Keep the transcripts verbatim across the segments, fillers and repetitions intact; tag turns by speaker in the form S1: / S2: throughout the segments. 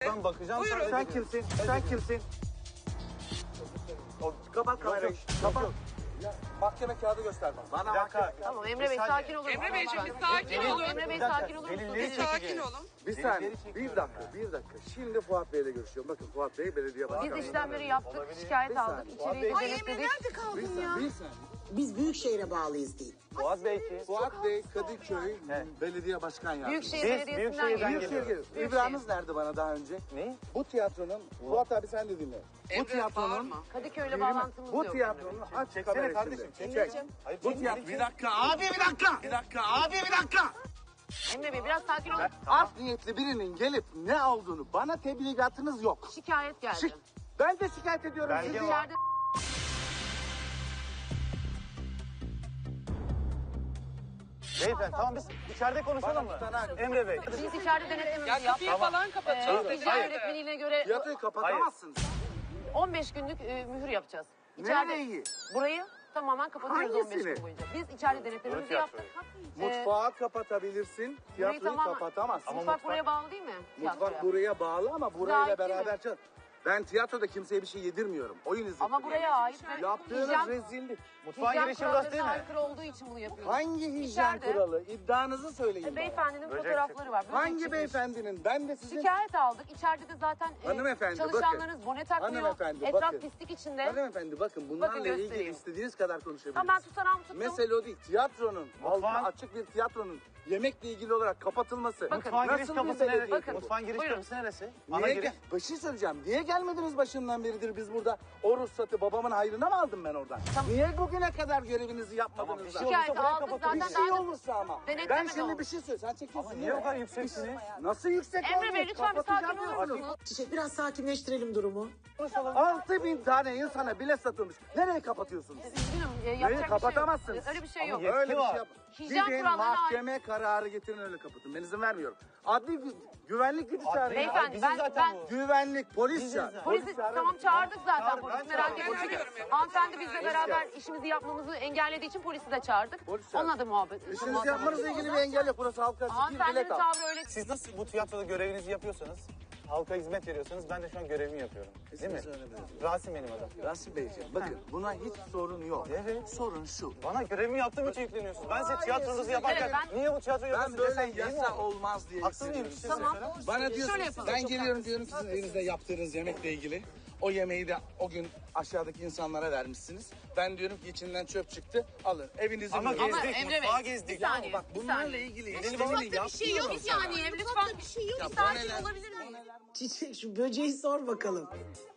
S1: Ben bakacağım.
S2: Buyurun.
S1: Sen,
S3: Sen kimsin? Sen kimsin? O, kapat kamerayı. Kapat. Ya, mahkeme kağıdı göster bana. Bana mahkeme.
S4: Tamam Emre Bey
S1: saniye.
S4: sakin olun.
S2: Emre Beyciğim bir
S4: Tamam,
S2: sakin
S4: Emre-
S2: olun.
S4: Emre Bey
S1: Bir dakika,
S4: sakin olur musunuz?
S1: delilleri
S2: Bir
S4: Lütfen.
S2: sakin
S1: çekeceğiz.
S2: olun.
S3: Bir
S1: Delilleri
S3: saniye.
S1: çekiyor.
S3: Bir dakika. Bir dakika. Şimdi Fuat Bey'le görüşüyorum. Bakın Fuat Bey belediye başkanı.
S4: Biz işlemleri yaptık,
S1: Olabilir.
S4: şikayet
S3: Bir
S4: aldık,
S3: saniye.
S4: içeriği
S2: Ay Emre
S4: denetledik.
S2: nerede
S3: Bir
S2: kaldın ya?
S3: saniye. Bir saniye.
S5: Biz Büyükşehir'e bağlıyız değil.
S1: Fuat Bey ki.
S3: Fuat Bey Kadıköy belediye başkan yardımcısı.
S4: Büyükşehir
S1: Biz
S4: Belediyesi'nden
S1: Büyükşehir'den
S4: geliyoruz.
S3: Büyükşehir
S1: geliyoruz.
S3: geliyor. İbrahim'iniz nerede bana daha önce?
S1: Ne?
S3: Bu tiyatronun, Fuat abi sen de dinle. Bu
S2: Emre
S3: tiyatronun,
S2: bağırma.
S4: Kadıköy'le bağlantımız
S3: bu
S4: yok.
S3: tiyatronun aç
S1: Çeksene
S3: kamerayı
S1: kardeşim,
S3: şimdi.
S1: çek.
S3: Çek.
S1: Hayır,
S3: Bu
S1: çek,
S3: tiyatro.
S1: çek.
S3: Bir dakika abi bir dakika. Bir dakika abi bir dakika.
S4: Emre Bey biraz sakin olun.
S3: Art niyetli birinin gelip ne olduğunu bana tebligatınız yok.
S4: Şikayet geldi.
S3: Şik. Ben de şikayet ediyorum
S1: Belge
S3: sizi.
S1: var.
S4: İçeride
S1: Beyefendi tamam biz içeride konuşalım mı? Emre Bey.
S4: biz içeride denetlememizi
S2: Ya
S4: yaptık.
S2: kapıyı falan kapatacağız.
S4: Ee, hijyen yönetmeliğine göre
S3: Tiyatroyu kapatamazsınız.
S4: on beş günlük e, mühür yapacağız. İçeride,
S3: Nereyi?
S4: burayı tamamen kapatıyoruz on beş
S3: Hangisini?
S4: gün boyunca. Biz içeride denetlememizi
S1: Tiyatroyu.
S4: yaptık.
S3: Mutfağı kapatabilirsin, tiyatroyu
S4: tamamen-
S3: kapatamazsın.
S4: Mutfak,
S1: mutfak-
S4: buraya bağlı değil mi?
S3: Mutfak
S4: Tiyatroya.
S3: buraya bağlı ama burayla
S4: ait değil
S3: beraber
S4: mi?
S3: çal. Ben tiyatroda kimseye bir şey yedirmiyorum. Oyun izletiyorum.
S4: Ama buraya ait. ve
S3: Yaptığınız
S4: hijyen-
S3: rezillik.
S1: Mutfağın
S4: hijyen
S1: girişi burası değil
S4: kurallarına
S1: mi?
S4: aykırı olduğu için bunu yapıyoruz.
S3: Hangi hijyen
S4: İçeride-
S3: kuralı? İddianızı söyleyin
S4: E,
S3: bana.
S4: Beyefendinin
S1: Böcek
S4: fotoğrafları var. Böcek
S3: Hangi
S4: çıkmış.
S3: beyefendinin? Ben de sizin...
S4: Şikayet aldık. İçeride de zaten e,
S3: Hanımefendi,
S4: çalışanlarınız
S3: bakın.
S4: bone takmıyor.
S3: Hanımefendi,
S4: Etraf
S3: bakın.
S4: pislik içinde.
S3: Hanımefendi bakın bunlarla
S4: Bakın
S3: ilgili
S4: göstereyim.
S3: istediğiniz kadar konuşabilirsiniz.
S4: Tamam ben tutanağımı tuttum.
S3: Mesele o değil. Tiyatronun, halka
S1: Mutfağın-
S3: açık bir tiyatronun yemekle ilgili olarak kapatılması.
S4: Bakın,
S1: Mutfağın giriş
S3: nasıl bir
S1: kapısı neresi?
S3: belediye
S4: Bakın.
S3: bu?
S1: Mutfağın giriş
S4: Buyurun.
S1: kapısı neresi? Ana
S3: Niye
S1: giriş.
S3: gel- bir şey söyleyeceğim. Niye gelmediniz başından beridir biz burada? O ruhsatı babamın hayrına mı aldım ben oradan? Niye bugüne kadar görevinizi yapmadınız?
S1: Tamam, bir
S3: da?
S1: şey
S4: Şikayet
S1: olursa buraya
S4: aldık
S1: kapatın.
S4: zaten.
S3: Bir şey
S4: daha da-
S3: olursa ama.
S4: Denetleme
S3: Ben
S4: de
S3: şimdi
S4: oldu.
S3: bir şey söyleyeyim. Sen çekiyorsun.
S1: Niye bu kadar yükseksiniz?
S3: Nasıl yüksek
S4: Emre
S3: olmuş?
S4: Bey lütfen bir sakin
S3: Kapatacağım
S4: olur
S3: diyorsunuz.
S4: musunuz?
S5: Çiçek biraz sakinleştirelim durumu.
S3: Altı bin tane insana bilet satılmış. Nereye kapatıyorsunuz?
S4: Üzgünüm. e,
S3: Neyi
S4: yapacak bir şey yok.
S3: kapatamazsınız?
S4: Öyle bir şey
S1: Ama
S4: yok.
S1: yetki
S3: Öyle bir
S1: var.
S3: şey yap.
S4: Hijyen
S3: Gidin
S4: kurallarına
S3: mahkeme kararı getirin öyle kapatın. Ben izin vermiyorum. Adli gü- güvenlik gücü çağırın.
S4: Beyefendi
S1: Bizim
S4: ben,
S1: zaten
S4: ben
S1: bu.
S3: Güvenlik, polis çağır.
S4: polisi tamam çağırdık zaten
S1: Çağır,
S4: polisi
S1: ben
S4: merak
S1: çağırdım.
S4: etmeyin.
S2: Çağırıyorum Emre.
S4: Hanımefendi bizle
S3: Polis
S4: beraber
S3: çağır.
S4: işimizi yapmamızı engellediği için polisi de çağırdık.
S3: Polis çağır.
S4: Onun adı muhabbet.
S3: İşinizi
S4: muhatap
S3: yapmanızla
S4: olduk.
S3: ilgili bir engel yok. Burası halka açık bir
S4: Hanımefendinin
S3: bilet al.
S4: tavrı öyle.
S1: Siz nasıl bu tiyatroda görevinizi yapıyorsanız, halka hizmet veriyorsanız ben de şu an görevimi yapıyorum. Değil mi?
S3: İsmini söylemedim.
S1: Rasim benim adım.
S3: Rasim Beyciğim bakın buna hiç sorun yok.
S1: Evet.
S3: Sorun şu.
S1: Bana görevimi yaptığım için yükleniyorsunuz. Ben size tiyatronuzu
S3: size
S1: yaparken
S4: göre- Ben-
S1: niye bu tiyatroyu
S3: Ben
S1: yapıyorsunuz
S3: böyle
S1: desem iyi mi
S3: yasa
S1: olur?
S3: olmaz diye
S1: Haksız mıyım?
S3: hissediyorum.
S1: Tamam.
S3: Bana
S4: Şöyle
S3: diyorsunuz
S4: yapalım.
S3: ben geliyorum diyorum ki sizin elinizde yaptığınız yemekle ilgili. O yemeği de o gün aşağıdaki insanlara vermişsiniz. Ben diyorum ki içinden çöp çıktı. Alın evinizi
S1: Ama
S3: bulun.
S1: gezdik,
S4: Emre Bey,
S1: mutfağı
S4: bir
S1: gezdik.
S4: saniye.
S3: Bak
S4: bir
S3: bunlarla
S4: saniye.
S3: ilgili
S1: Mutfakta
S3: işlemini
S4: Bir şey yok bir
S3: yapmıyorum.
S4: saniye. Lütfen bir şey yok.
S3: Ya
S4: Bir
S3: bu
S4: sakin
S3: neler-
S4: olabilir miyim?
S5: Çiçek şu böceği sor bakalım.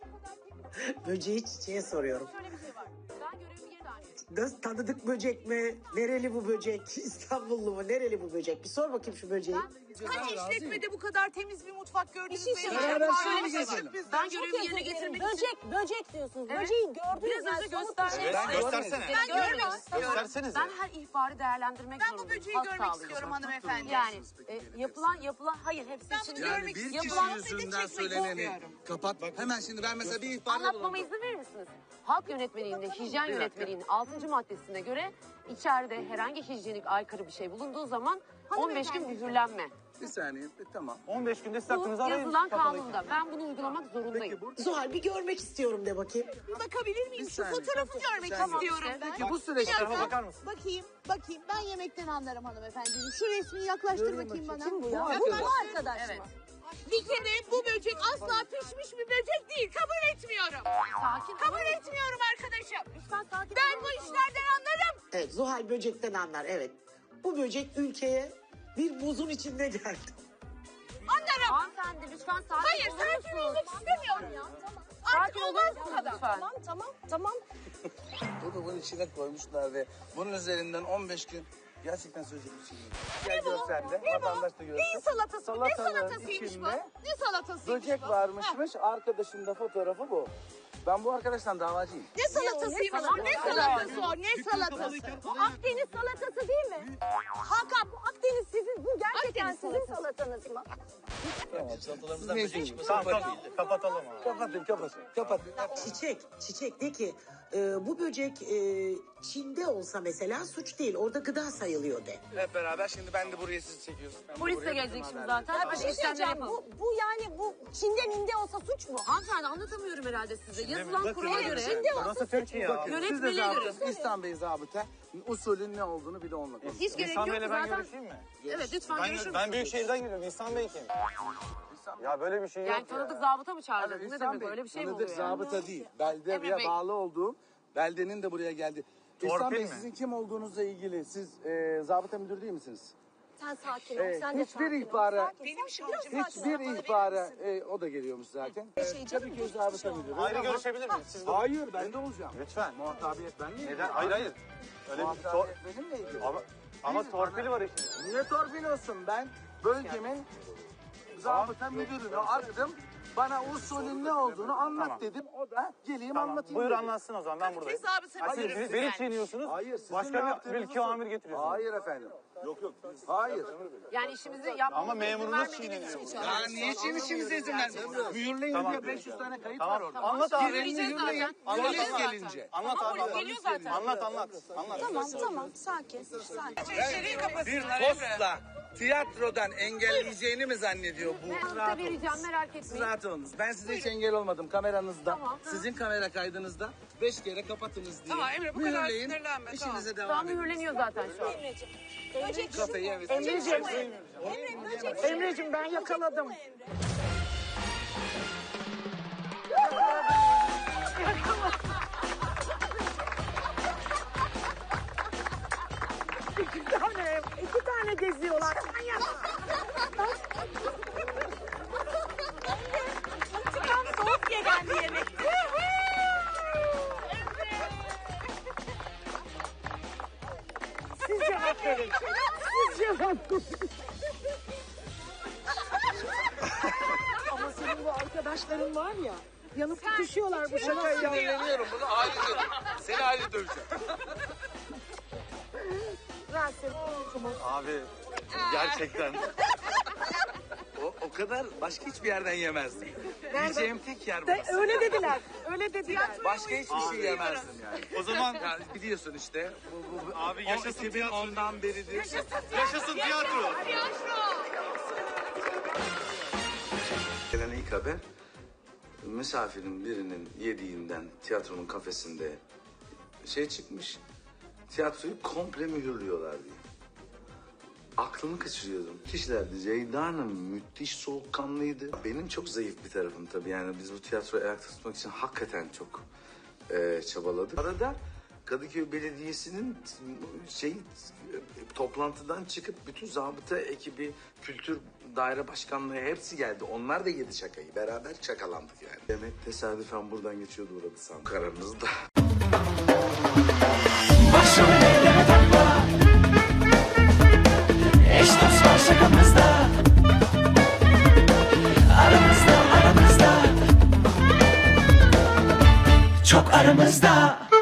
S5: Böceği çiçeğe soruyorum.
S4: Şöyle bir şey var. Ben görevimi geri dönüyorum.
S5: Nasıl, tanıdık böcek mi? Nereli bu böcek? İstanbullu mu? Nereli bu böcek? Bir sor bakayım şu böceği.
S2: Kaç işletmede bu kadar temiz bir mutfak gördünüz mü?
S3: Beraber
S4: Şöyle
S3: şöyle
S4: bir şey var.
S3: gezelim.
S4: Ben görevimi yerine getirmek için.
S6: Böcek, böcek diyorsunuz.
S4: Evet.
S6: Böceği gördünüz
S4: Biraz önce göster.
S1: Ben göstersene.
S4: Ben görmek istiyorum.
S1: Göstersenize.
S4: Ben her ihbarı değerlendirmek
S2: Ben
S4: zorundayım.
S2: bu böceği
S4: Halk
S2: görmek
S4: sağlığı
S2: istiyorum
S4: için.
S2: hanımefendi.
S4: Yani e, yapılan yapılan hayır hepsi
S2: Ben
S4: için
S2: bunu
S4: değil.
S3: Yani
S2: görmek
S3: bir kişi
S2: istiyorum.
S3: yüzünden
S2: Çekmek
S3: söyleneni
S2: istiyorum.
S3: kapat. Hemen şimdi ben mesela bir ihbarda
S4: Anlatmama
S3: bulundum.
S4: izin verir misiniz? Halk yönetmeliğinde, hijyen yönetmeliğinin altıncı maddesine göre içeride herhangi hijyenik aykırı bir şey bulunduğu zaman on beş gün mühürlenme.
S3: Bir saniye bir- tamam.
S1: on beş günde siz
S4: Bu
S1: hakkınızı arayın.
S4: yazılan
S1: Kapalı.
S4: kanunda. Ben bunu uygulamak zorundayım.
S3: Peki bu
S5: Zuhal bir görmek istiyorum de bakayım.
S2: Bakabilir miyim?
S3: Bir
S2: Şu
S3: saniye.
S2: fotoğrafı görmek
S3: Tamam.
S2: istiyorum.
S4: işte.
S3: Peki bu süreçte
S1: Fotoğrafa bakar mısın?
S6: Bakayım, bakayım. Ben yemekten anlarım hanımefendiciğim. Şu resmini yaklaştır
S3: Göreyim
S6: bakayım bana.
S3: bakayım.
S6: Kim bu
S3: Bu
S6: ya?
S3: arkadaş.
S6: Bu arkadaş
S4: Evet.
S6: mı?
S2: Bir kere bu böcek asla pişmiş bir böcek değil. Kabul etmiyorum.
S4: Sakin
S2: Kabul etmiyorum arkadaşım.
S4: Lütfen sakin
S2: Ben
S4: olur
S2: bu
S4: musunuz?
S2: işlerden anlarım.
S5: Evet, Zuhal böcekten anlar, evet. Bu böcek ülkeye bir buzun içinde geldi.
S2: Anlarım.
S4: Hanımefendi lütfen sakin
S2: Hayır
S4: olur
S2: sakin
S4: musunuz?
S2: olmak istemiyorum ya.
S4: Sakin
S2: Artık
S4: olur
S2: olmaz bu
S4: musunuz
S2: kadar.
S4: lütfen?
S6: Tamam, tamam, tamam.
S3: Bunu bunun içine koymuşlar ve bunun üzerinden on beş gün gerçekten söyleyecek bir şey yok. Gel gör sen de,
S2: Ne bu?
S3: vatandaş da görsün.
S2: Neyin salatası? bu? Ne
S3: Salatalığın
S2: salatasıymış bu?
S3: içinde
S2: Ne salatasıymış
S3: böcek
S2: bu?
S3: varmışmış, arkadaşın da fotoğrafı bu. Ben bu arkadaştan davacıyım.
S2: Ne salatasıymış bu? Ne salatası o? Ne salatası?
S6: Bu Akdeniz salatası değil mi? Hakan, bu Akdeniz sizin, bu gerçekten
S2: Akdeniz
S6: sizin salatanız mı?
S3: Siz ne istiyorsunuz?
S1: Tamam kap- kapatalım abi.
S3: Kapatın, kapatın, kapatın.
S5: Çiçek, çiçek de ki e, bu böcek e, Çin'de olsa mesela suç değil. Orada gıda sayılıyor de.
S3: Hep beraber şimdi ben de buraya sizi çekiyorsun. Ben
S4: Polis de
S3: buraya
S4: gelecek
S3: bizim
S4: şimdi
S3: haberleri.
S4: zaten.
S6: Ya bir
S4: Hadi
S6: şey
S4: işlemleri
S6: söyleyeceğim.
S4: yapalım.
S6: Bu, bu yani bu Çin'de minde olsa suç mu?
S4: Hanımefendi anlatamıyorum herhalde size. Yazılan
S1: Bakın,
S4: kurala
S1: evet,
S4: göre
S6: Çin'de olsa
S1: Burası
S6: suç
S1: Türkiye
S6: mu?
S1: ya.
S3: Siz de
S4: yönetmeliğe göre.
S3: zabıta, İhsan Bey zabıta usulün ne olduğunu bir de onunla konuşun.
S4: Hiç gerek
S1: İhsan
S4: yok
S1: Bey'le ben
S4: zaten.
S1: görüşeyim mi?
S4: Evet lütfen
S1: Ben,
S4: görüşür
S1: ben
S4: müsünüz?
S1: Büyükşehir'den geliyorum. İhsan Bey kim? Ya böyle bir şey yok
S4: Yani
S1: ya.
S4: tanıdık zabıta mı çağıracak? Bu ne
S3: İhsan
S4: demek?
S3: Bey,
S4: Öyle bir şey mi
S3: tanıdık
S4: oluyor yani?
S3: zabıta değil. Beldeye
S4: Emre Bey.
S3: bağlı olduğum beldenin de buraya geldi. İhsan
S1: Torpil
S3: Bey
S1: mi?
S3: sizin kim olduğunuzla ilgili siz e, zabıta müdürü değil misiniz?
S6: Sen sakin ol.
S3: Ee,
S6: sen de
S3: hiçbir
S6: sakin ol.
S3: ihbara-
S6: Sakin,
S2: Benim
S6: sakin,
S2: şarjım
S6: biraz sakin
S3: Hiçbir
S6: ol. Bana verir
S3: ihbara
S6: misin?
S3: e, o da geliyormuş zaten.
S6: şey
S3: Ee,
S6: canım,
S3: tabii ki
S6: geçmiş
S3: zabıta
S6: olsun.
S3: müdürü.
S1: Ayrı
S3: ama-
S1: görüşebilir miyiz? Siz de...
S3: Hayır ben de olacağım.
S1: Lütfen.
S3: Muhatabiyet benimle
S1: Neden? Hayır hayır. Öyle bir tor...
S3: Muhatabiyet benimle ilgili.
S1: Ama, ama torpil var işte.
S3: Niye torpil olsun? Ben bölgemin zabıta müdürünü aradım. Bana usulün ne olduğunu anlat
S1: Tamam.
S3: dedim. O da geleyim
S1: Tamam.
S3: anlatayım
S1: Buyur
S3: dedi.
S1: anlatsın o zaman ben buradayım.
S2: Hesabı
S1: Ha, siz
S2: sen
S1: beni, beni çiğniyorsunuz.
S3: Hayır, sizin
S1: Başka
S3: ne
S1: bir
S3: yaptığınızı
S1: mülki
S3: sor-
S1: amir getiriyorsunuz.
S3: Hayır efendim. Yok yok. Hayır.
S4: Yani işimizi yapmamıza
S1: Ama
S4: izin
S1: memurunuz
S4: vermediğiniz
S1: çiğneniyor.
S4: için.
S3: Ya niye için işinize izin vermiyorsunuz? Mühürleyin
S1: Tamam.
S3: diye beş yüz tane kayıt
S1: Tamam.
S3: var orada.
S1: Anlat abi.
S4: Mühürleyeceğiz
S3: Mühürleyin.
S4: zaten.
S1: Anlat,
S3: Polis
S1: anlat.
S3: gelince.
S1: Anlat
S4: Ama
S1: abi.
S4: polis geliyor zaten.
S1: Anlat anlat. Anlat.
S6: Tamam tamam sakin sakin.
S3: Bir postla tiyatrodan engelleyeceğini mi zannediyor bu?
S4: Ben
S3: Rahat
S4: size
S3: olun.
S4: vereceğim merak etmeyin.
S3: Rahat olunuz. Ben size hiç engel olmadım kameranızda.
S4: Tamam.
S3: Sizin kamera kaydınızda beş kere kapatınız diye.
S2: Tamam, Emre, bu kadar
S3: Mühürleyin,
S2: sinirlenme,
S3: İşinize
S4: Şu an
S3: devam edin.
S4: mühürleniyor zaten şu an.
S6: Emreciğim. Böcek işi
S3: Kafayı
S6: bu.
S3: evet.
S5: Emreciğim,
S6: Emre böcek işi.
S5: Emreciğim ben yakaladım.
S6: Bu Emre.
S5: İki tane, iki tane geziyorlar. Manyak.
S6: Tam soğuk diye geldi yemek.
S5: Siz cevap verin. Siz cevap verin. Ama senin bu arkadaşların var ya, yanıp tutuşuyorlar bu şakayı.
S3: Sinirleniyorum bunu aile döveceğim. Seni aile döveceğim.
S5: Rahatsız.
S1: Abi gerçekten.
S3: O, o kadar başka hiçbir yerden yemezdim. Yiyeceğim tek yer
S5: De,
S3: burası.
S5: öyle dediler. Öyle dediler.
S3: Başka hiçbir şey yemezdim yani.
S1: O zaman
S3: Ya biliyorsun işte. Bu, bu, bu,
S1: Abi yaşasın
S3: iki bin ondan beridir.
S1: yaşasın tiyatro.
S7: Gelen ilk haber misafirin birinin yediğinden tiyatronun kafesinde şey çıkmış. Tiyatroyu komple mühürlüyorlar diye. Aklımı kaçırıyordum. Kişilerdi. Ceyda Hanım müthiş soğukkanlıydı. Benim çok zayıf bir tarafım tabii. Yani biz bu tiyatroyu ayakta tutmak için hakikaten çok e, çabaladık. Arada Kadıköy Belediyesi'nin şey e, toplantıdan çıkıp bütün zabıta ekibi, kültür daire başkanlığı hepsi geldi. Onlar da yedi şakayı. Beraber şakalandık yani. Demek tesadüfen buradan geçiyordu uğradı sanırım. Karanızda.
S8: Başım ellere takma. Eş dost var şakamızda. Aramızda aramızda. Çok aramızda.